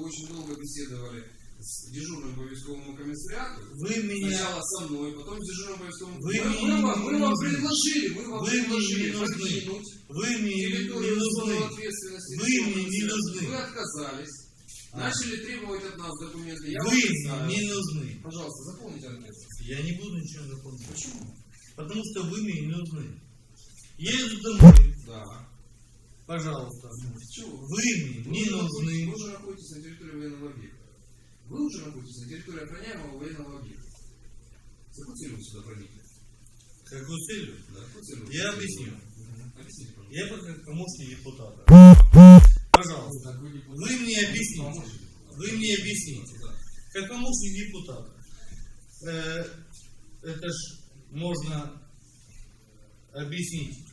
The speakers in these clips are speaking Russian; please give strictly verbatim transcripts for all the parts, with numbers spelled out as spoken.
вы очень долго беседовали с дежурным по військовому комиссариату. Вы меня... Сначала со мной, потом с дежурным по військовому Вы комиссариату. мне Мы, мы, мы не вам нужны. предложили, мы вам Вы предложили мне не нужны. покинуть Вы мне не территорию нужны. зоны ответственности. Вы мне не нужны. Вы отказались. А. Начали требовать от нас документы. Я Вы вам мне не нужны. Пожалуйста, заполните анкету. Я не буду ничего заполнять. Почему? Потому что вы мне не нужны. Я иду домой. Да. Пожалуйста. Чего? Вы мне Вы не уже нужны. находитесь- Вы уже находитесь на территории военного объекта. Вы уже находитесь на территории охраняемого военного объекта. С какой целью вы сюда проникли? Какую целью? Да, какой целью? Я объясню. Мгм. Объясните, пожалуйста. Я пока помощник депутата. Пожалуйста. Так, вы депутат. Вы мне объясните. Помощник. Вы мне объясните. Да. Как помощник депутата. Э, это ж можно объяснить.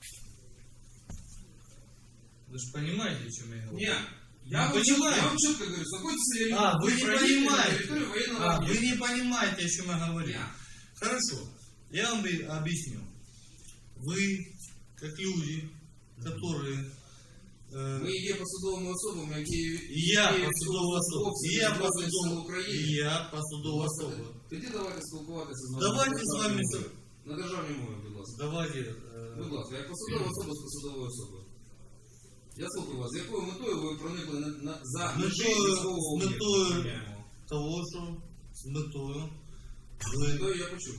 Вы же понимаете, о чем я говорю? Нет. Я, Не вам четко, понимаю. я вам четко говорю, с какой целью А, вы не проникли на понимаете. территорию военного А, вы объекта. не понимаете, о чем я говорю. Нет. Хорошо. Я вам и объясню. Вы, как люди, которые... э, Ми є посадовими особами, які... і я які посадова особа. військовослужбовці І я Збройних Сил посадова, України. і я посадова особа. Тоді давайте спілкуватися з вами. Давайте на з вами державній с- мові. На державній мові, будь ласка. Давайте... э, Будь ласка, як посадова особа з посадовою особою. Я слухаю вас, з якою метою ви проникли на, на, за З межі метою- військового з об'єкту? метою- охороняємого? того, що з метою... З Ви... метою я почув.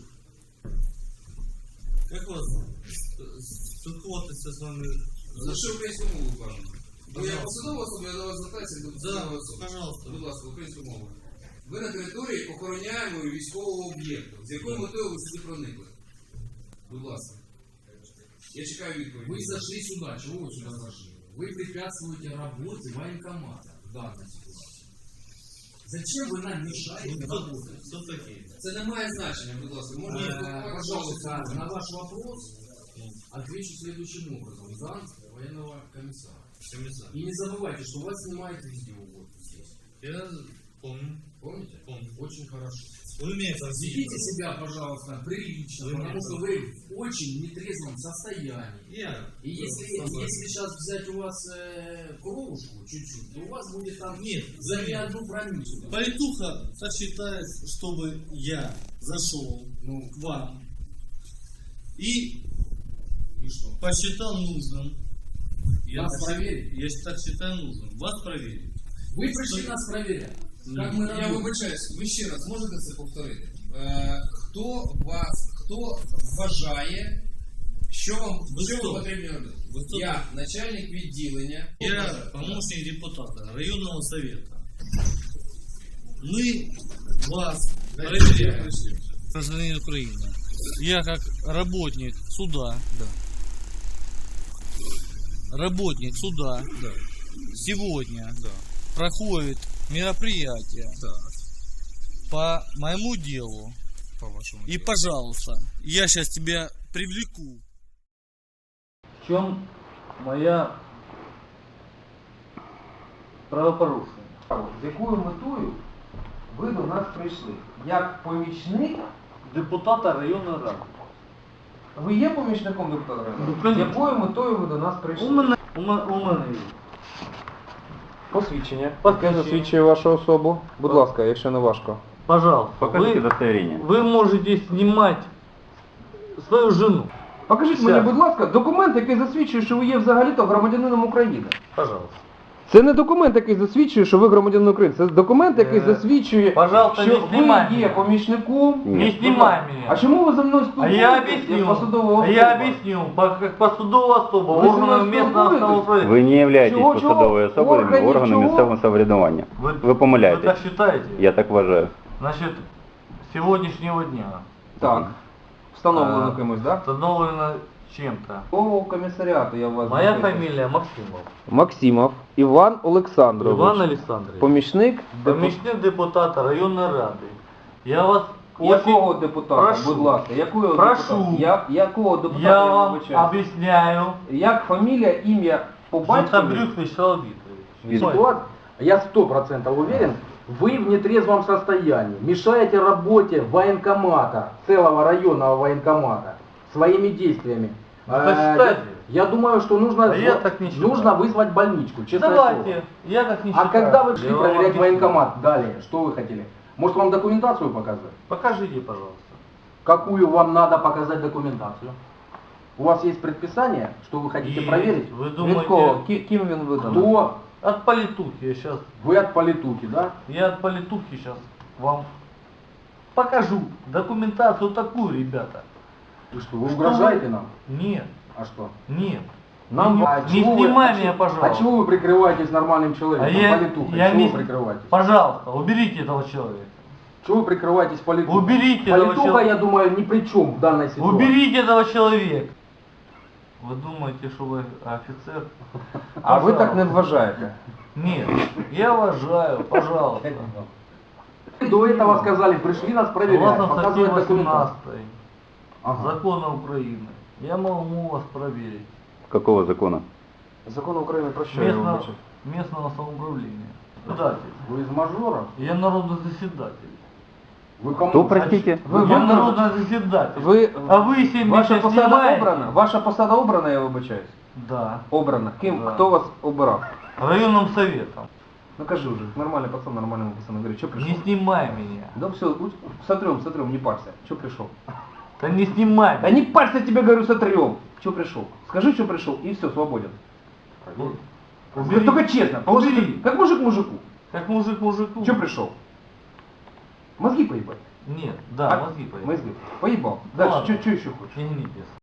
Як вас спілкуватися з вами? За що українську мову кажемо? Бо я Пожалуйста. посадова особа, я до вас звертаюся як до Да, посадової особи. пожалуйста. Будь ласка, українську мову. Ви на території охороняємої військового об'єкту. З якою метою ви сюди проникли? Будь ласка. Я чекаю відповідь. Вы зашли сюда, чего вы сюда зашли? Вы препятствуете работе военкомата в данной ситуации. Зачем вы нам мешаете Ну, кто, работать? кто такие? Це не має значення, будь ласка. Можна Э, спілкуватися Пожалуйста, вашою на мовою. ваш вопрос отвечу следующим образом. Зам военного комиссара. Комиссар. И не забывайте, что вас снимает видео вот здесь. Я помню. Помните? Помню. Очень хорошо. Вы меня это Ведите себя, пожалуйста, прилично, Вы потому меня что вы в очень нетрезвом состоянии. Я. И если, если сейчас взять у вас э, кровушку чуть-чуть, то у вас будет там Нет, за не одну промилле. Политуха так считает, чтобы я зашел Ну, к вам и и что? посчитал нужным. Я, Вас так, проверить? я так считаю нужным. Вас проверить. Вы пришли нас проверять. Как мы Я работаем. вибачаюсь, ви ще раз можете це повторити? Е, хто вас, хто вважає, що вам, Ви що хто? вам потрібно робити? Ви хто? Я начальник відділення. Я помощник депутата районного совета. Мы вас проверяем. Гражданин Украины. Я как работник суда. Да. Работник суда. Да. Сегодня Да. проходит мероприятие Так. по моему делу. По вашему. И, пожалуйста, я сейчас тебя привлеку. В чем моя правопорушення? З якою метою ви до нас прийшли? Як помічник? Депутата районної ради. Ви є помічником депутата району? Ну, З якою метою ви до нас прийшли? У мене, у мене, у мене є. Посвідчення. Посвідчення. Яке засвідчує вашу особу? Будь ласка, якщо не важко. Пожалуйста, Покажите вы, удостоверение. вы можете снимать свою жену. Покажіть Все. мені, будь ласка, документ, який засвідчує, що ви є взагалі-то громадянином України. Пожалуйста. Це не документ, який засвідчує, що ви громадянин України. Це документ, який Е, засвідчує, пожалуйста, що не ви знімай є мене. помічником. Не Будь снимай ласка. меня. А чому ви за мною А спілкуєтесь? я як объясню. посадова А я особа? объясню, по- как посудовая особа, Вы со органами мной местного спілкуєтесь? самоуправления. Ви не являєтесь Чого, чого? посадовою особою Органів органу чого? місцевого самоврядування. Вы, Ви вы помиляєтесь. так считаете? Я так вважаю. Значит, с сегодняшнего дня Так. Встановлено А, кимось, так? установлено чем-то. Какого комісаріату я вас Моя запитую? фамилия Максимов. Максимов Іван Олександрович. Иван Александрович. Помічник депу- Помічник депутата районної ради. Я вас Якого очень депутата, прошу. будь ласка, якого Прошу. депутата? Я, якого депутата я я вам вибачаю? объясняю. Як фамілія, ім'я по батькові? Златобрюх Вячеслав Викторович. Ситуация, я сто процентов уверен, вы в нетрезвом состоянии, мешаете работе военкомата, целого районного военкомата, своими действиями. Это Э, считайте. Я думаю, что нужно, А я так не считаю. нужно вызвать больничку, честное Давайте, слово. я так не А считаю. когда вы шли Я вам проверять объясню. военкомат далее, что вы хотели? Может вам документацию показать? Покажите, пожалуйста. Какую вам надо показать документацию? У вас есть предписание, что вы хотите Есть. проверить? Вы Від кого? думаете, Ки- Ким він виданий? Кто? от политухи я сейчас, Вы от политухи, да? я от политухи сейчас вам покажу документацию такую, ребята. Вы что, вы угрожаете нам? Нет, А что? нет. Нам не, а не чего вы- снимай а меня, чего- пожалуйста. А чего вы прикрываетесь нормальным человеком, А я- политухой? я Чего не- вы прикрываетесь? Пожалуйста, уберите этого человека. Чего вы прикрываетесь политухой? Уберите этого Политуха, человека. я думаю, ни при чем в данной ситуации. Уберите этого человека. Вы думаете, что вы офицер? А ви так не Пожалуйста. вважаєте? Нет, я уважаю, пожалуйста. До этого сказали, пришли нас проверять, Согласно статье показывать документацию. восемнадцатой Ага. закона Украины, я могу вас проверить. Какого закона? Закон України про що я Местного, вибачив? местного самоуправления. Заседатель. Вы из мажора? Я народный заседатель. Вы кому? Кто, простите? Ви я вам народный заседатель. Ви, А вы себе ваша меня посада снимаете? обрана? Ваша посада обрана, я вибачаюсь? Да. Обрана. Ким? Да. Хто вас обирав? Районным советом. Ну кажи уже, нормальный пацан, нормальному пацану. Говори, что пришел? Не снимай меня. Да все, сотрем, сотрем, не парься. Что пришел? Да не снимай Да меня. не парься, тебе говорю, сотрем. Что пришел? Скажи, что пришел, и все, свободен. Убери. Только честно, положи, Убери. как мужик мужику. Как мужик мужику. Что пришел? Мозги поебать. Нет, да, А? мозги поехали. Мозги. Поебал. Ну Дальше, ладно. что еще хочешь? Я не пес.